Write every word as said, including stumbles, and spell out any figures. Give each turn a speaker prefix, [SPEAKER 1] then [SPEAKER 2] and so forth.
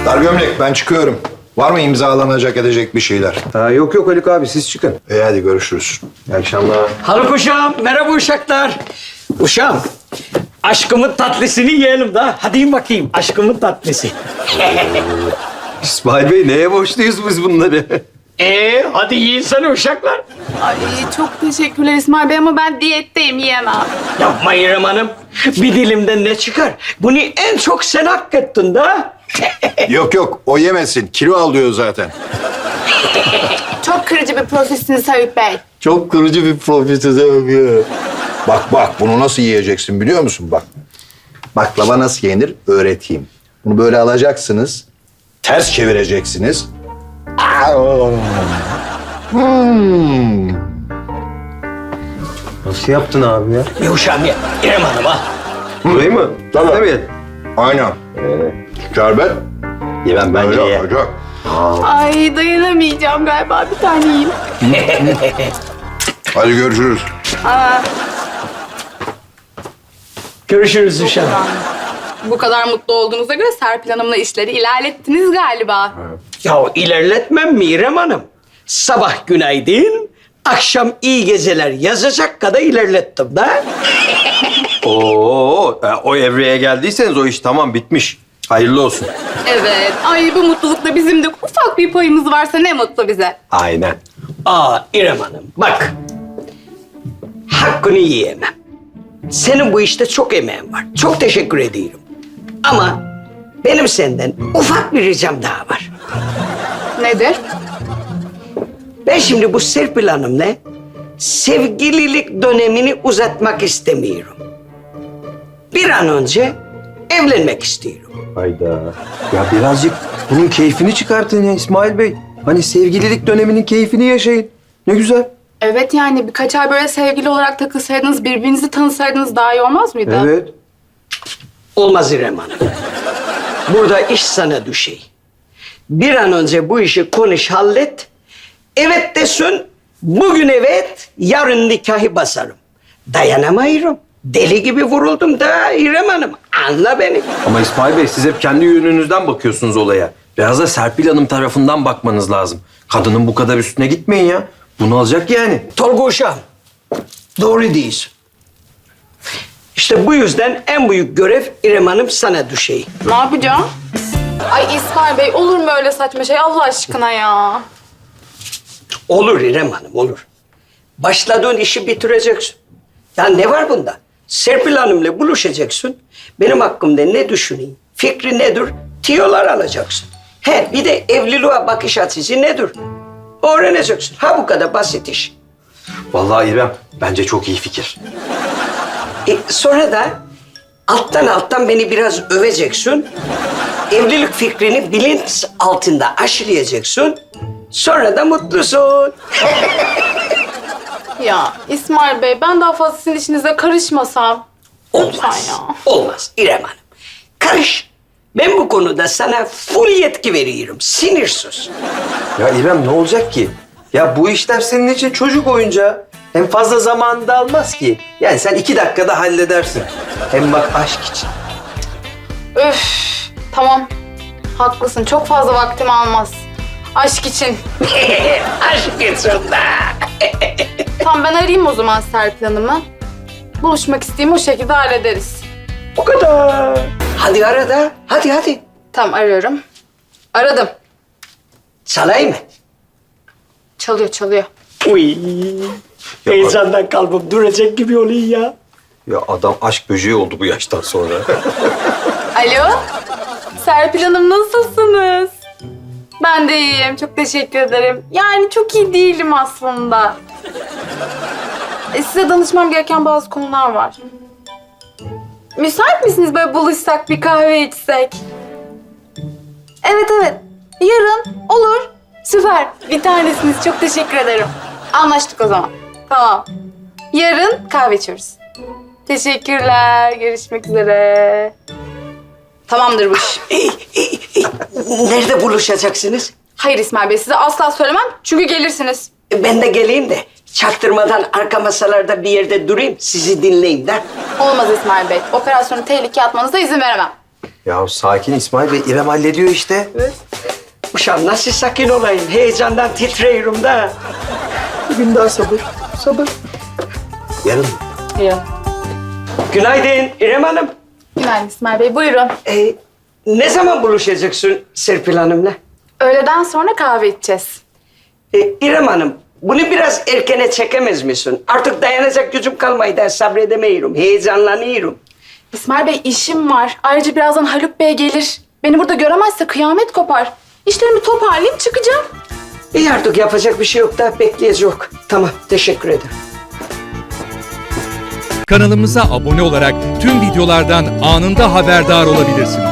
[SPEAKER 1] Dar gömlek ben çıkıyorum. Var mı imzalanacak edecek bir şeyler?
[SPEAKER 2] Ha, yok yok Haluk abi siz çıkın.
[SPEAKER 1] E hadi görüşürüz.
[SPEAKER 2] İyi akşamlar.
[SPEAKER 3] Haluk uşağım, merhaba uşaklar. Uşağım, aşkımın tatlısını yiyelim da. Hadi yiyin bakayım, aşkımın tatlısı.
[SPEAKER 2] İsmail Bey neye borçluyuz biz bunları?
[SPEAKER 3] Ee, hadi yiyin sana uşaklar.
[SPEAKER 4] Ay çok teşekkürler İsmail Bey ama ben diyetteyim, yiyemem.
[SPEAKER 3] Yapma İrem Hanım. Bir dilimden ne çıkar? Bunu en çok sen hak ettin da.
[SPEAKER 1] Yok yok o yemesin. Kilo alıyor zaten.
[SPEAKER 4] Çok kırıcı bir prosesiniz Haluk Bey.
[SPEAKER 1] Çok kırıcı bir profesör. Bak bak bunu nasıl yiyeceksin biliyor musun bak. Baklava nasıl yenir öğreteyim. Bunu böyle alacaksınız. Ters çevireceksiniz. Hmm.
[SPEAKER 2] Nasıl yaptın abi ya?
[SPEAKER 3] Bir uşağım ye. İrem Hanım ha.
[SPEAKER 2] Burayı mı?
[SPEAKER 1] Tamam.
[SPEAKER 2] Değil mi?
[SPEAKER 1] Aynen. Şerbet.
[SPEAKER 2] Yemem bence
[SPEAKER 1] Öyle
[SPEAKER 2] ye.
[SPEAKER 1] olacak.
[SPEAKER 4] Ay dayanamayacağım galiba, bir tane yiyeyim.
[SPEAKER 1] Hadi görüşürüz.
[SPEAKER 4] Aa,
[SPEAKER 3] Görüşürüz uşağım.
[SPEAKER 4] bu kadar mutlu olduğunuza göre Serpil Hanım'la işleri ilerlettiniz galiba.
[SPEAKER 3] Ya ilerletmem mi İrem Hanım? Sabah günaydın, akşam iyi geceler yazacak kadar ilerlettim da.
[SPEAKER 2] Oo, e, o evreye geldiyseniz o iş tamam bitmiş. Hayırlı olsun.
[SPEAKER 4] Evet. Ay bu mutlulukta bizim de ufak bir payımız varsa ne mutlu bize.
[SPEAKER 2] Aynen.
[SPEAKER 3] Aa İrem Hanım bak. Hakkını yiyemem. Senin bu işte çok emeğin var. Çok teşekkür ediyorum. Ama benim senden ufak bir ricam daha var.
[SPEAKER 4] Nedir?
[SPEAKER 3] Ben şimdi bu Serpil Hanım'la sevgililik dönemini uzatmak istemiyorum. Bir an önce evlenmek istiyorum.
[SPEAKER 2] Hayda. Ya birazcık bunun keyfini çıkartın ya İsmail Bey. Hani sevgililik döneminin keyfini yaşayın. Ne güzel.
[SPEAKER 4] Evet yani birkaç ay böyle sevgili olarak takılsaydınız, birbirinizi tanısaydınız daha iyi olmaz mıydı?
[SPEAKER 2] Evet.
[SPEAKER 3] Olmaz İrem Hanım. Burada iş sana düşey. Bir an önce bu işi konuş, hallet. Evet desin, bugün evet, yarın nikahı basarım. Dayanamayırım. Deli gibi vuruldum da İrem Hanım. Anla beni.
[SPEAKER 2] Ama İsmail Bey siz hep kendi yönünüzden bakıyorsunuz olaya. Biraz da Serpil Hanım tarafından bakmanız lazım. Kadının bu kadar üstüne gitmeyin ya. Bunu alacak yani.
[SPEAKER 3] Tolga uşağım, doğru değilsin. İşte bu yüzden en büyük görev İrem Hanım sana düşey.
[SPEAKER 4] Ne yapacağım? Ay İsmail Bey olur mu öyle saçma şey Allah aşkına ya?
[SPEAKER 3] Olur İrem Hanım, olur. Başladığın işi bitireceksin. Ya ne var bunda? Serpil Hanım'la buluşacaksın. Benim hakkımda ne düşüneyim, fikri nedir, tiyolar alacaksın. He, bir de evliliğe bakış açısı nedir? Öğreneceksin. Ha bu kadar basit iş.
[SPEAKER 2] Vallahi İrem bence çok iyi fikir.
[SPEAKER 3] E, sonra da alttan alttan beni biraz öveceksin. Evlilik fikrini bilinç altında aşılayacaksın. Sonra da mutlusun.
[SPEAKER 4] Ya İsmail Bey ben daha fazla sizin işinize karışmasam. Lütfen
[SPEAKER 3] Olmaz.
[SPEAKER 4] ya.
[SPEAKER 3] Olmaz İrem Hanım. Karış. Ben bu konuda sana full yetki veriyorum. Sinirsiz.
[SPEAKER 2] Ya İrem ne olacak ki? Ya bu işler senin için çocuk oyuncağı. Hem fazla zamanını da almaz ki. Yani sen iki dakikada halledersin. Hem bak aşk için.
[SPEAKER 4] Öf tamam. Haklısın çok fazla vaktim almaz. Aşk için.
[SPEAKER 3] Aşk için de.
[SPEAKER 4] Tamam ben arayayım o zaman Serpil Hanım'ı. Buluşmak isteyeyim o şekilde hallederiz.
[SPEAKER 3] O kadar. Hadi ara da. Hadi hadi.
[SPEAKER 4] Tamam arıyorum. Aradım.
[SPEAKER 3] Çalayım mı?
[SPEAKER 4] Çalıyor çalıyor.
[SPEAKER 3] Uy. Heyecandan kalbim duracak gibi oluyor ya.
[SPEAKER 2] Ya adam aşk böceği oldu bu yaştan sonra.
[SPEAKER 4] Alo. Serpil Hanım nasılsınız? Ben de iyiyim. Çok teşekkür ederim. Yani çok iyi değilim aslında. E, size danışmam gereken bazı konular var. Müsait misiniz böyle buluşsak bir kahve içsek? Evet evet. Yarın olur. Süper. Bir tanesiniz. Çok teşekkür ederim. Anlaştık o zaman. Tamam. Yarın kahve içiyoruz. Teşekkürler. Görüşmek üzere. Tamamdır bu iş.
[SPEAKER 3] Nerede buluşacaksınız?
[SPEAKER 4] Hayır İsmail Bey, size asla söylemem çünkü gelirsiniz.
[SPEAKER 3] Ben de geleyim de çaktırmadan arka masalarda bir yerde durayım, sizi dinleyeyim de.
[SPEAKER 4] Olmaz İsmail Bey, operasyonu tehlikeye atmanıza izin veremem.
[SPEAKER 2] Ya sakin İsmail Bey, İrem hallediyor işte.
[SPEAKER 3] Uşağım nasıl sakin olayım? Heyecandan titriyorum da.
[SPEAKER 2] Bir gün daha sabır, sabır. Yarın mı?
[SPEAKER 4] Yarın.
[SPEAKER 3] Günaydın İrem Hanım.
[SPEAKER 4] Günaydın İsmail Bey. Buyurun.
[SPEAKER 3] Ee, ne zaman buluşacaksın Serpil Hanım'la?
[SPEAKER 4] Öğleden sonra kahve içeceğiz.
[SPEAKER 3] Ee, İrem Hanım, bunu biraz erkene çekemez misin? Artık dayanacak gücüm kalmaydı, sabredemiyorum, heyecanlanıyorum.
[SPEAKER 4] İsmail Bey işim var. Ayrıca birazdan Haluk Bey gelir. Beni burada göremezse kıyamet kopar. İşlerimi toparlayıp çıkacağım.
[SPEAKER 3] İyi artık yapacak bir şey yok da bekleyeceğiz. Tamam, teşekkür ederim.
[SPEAKER 5] Kanalımıza abone olarak tüm videolardan anında haberdar olabilirsiniz.